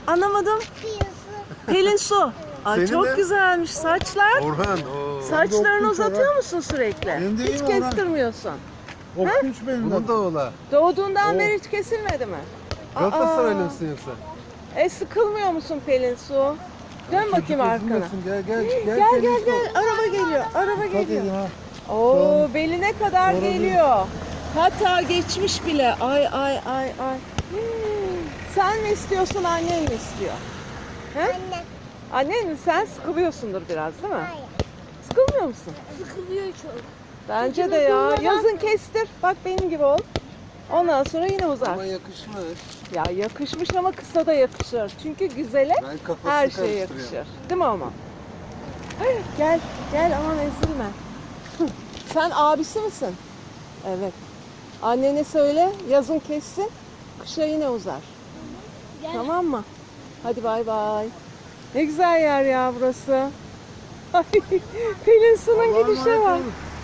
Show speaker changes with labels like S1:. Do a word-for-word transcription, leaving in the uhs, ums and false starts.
S1: Anlamadım. Pelin Su. Ay
S2: Senin
S1: çok
S2: de-
S1: güzelmiş saçlar.
S2: Orhan. Oo.
S1: Saçlarını uzatıyor musun sürekli?
S3: Benim de
S1: Hiç
S3: iyi mi Orhan?
S1: kestirmiyorsun.
S3: Okumuş benim
S2: Bunun
S3: de.
S2: da oğla.
S1: Doğduğundan
S3: Oo.
S1: beri hiç kesilmedi mi?
S2: Galatasaraylı
S1: Aa.
S2: mısın yoksa?
S1: E sıkılmıyor musun Pelin Su? Dön bakayım arkana.
S3: Üzülmesin, Gel gel gel.
S1: Gel gel
S3: Pelin Su.
S1: gel. Araba geliyor. Araba
S3: Hadi
S1: geliyor.
S3: ya.
S1: Oo beline kadar
S3: Doğru.
S1: geliyor. Hatta geçmiş bile. Ay ay ay ay. Hmm. Sen mi istiyorsun, annen mi istiyor? He?
S4: Anne.
S1: Annen mi? Sen sıkılıyorsundur biraz değil mi?
S4: Hayır.
S1: Sıkılmıyor musun?
S4: Sıkılıyor çok.
S1: Bence
S4: Çünkü
S1: de ya.
S4: durmadan-
S1: Yazın kestir. Bak benim gibi ol. Ondan sonra yine uzar.
S2: Ama yakışmış.
S1: Ya yakışmış ama kısa da yakışır. Çünkü güzele
S2: Ben kafasını
S1: her şey
S2: karıştırıyorum.
S1: yakışır. Değil mi ama? Ay, gel, gel aman ezilme. Hı, sen abisi misin? Evet. Annene söyle yazın kessin, kışa yine uzar.
S4: Gel.
S1: Tamam mı? Hadi bay bay. Ne güzel yer ya burası. Ay, Pelin Su'nun
S3: Allah'a
S1: gidişe
S3: emanet
S1: bak.
S3: olun.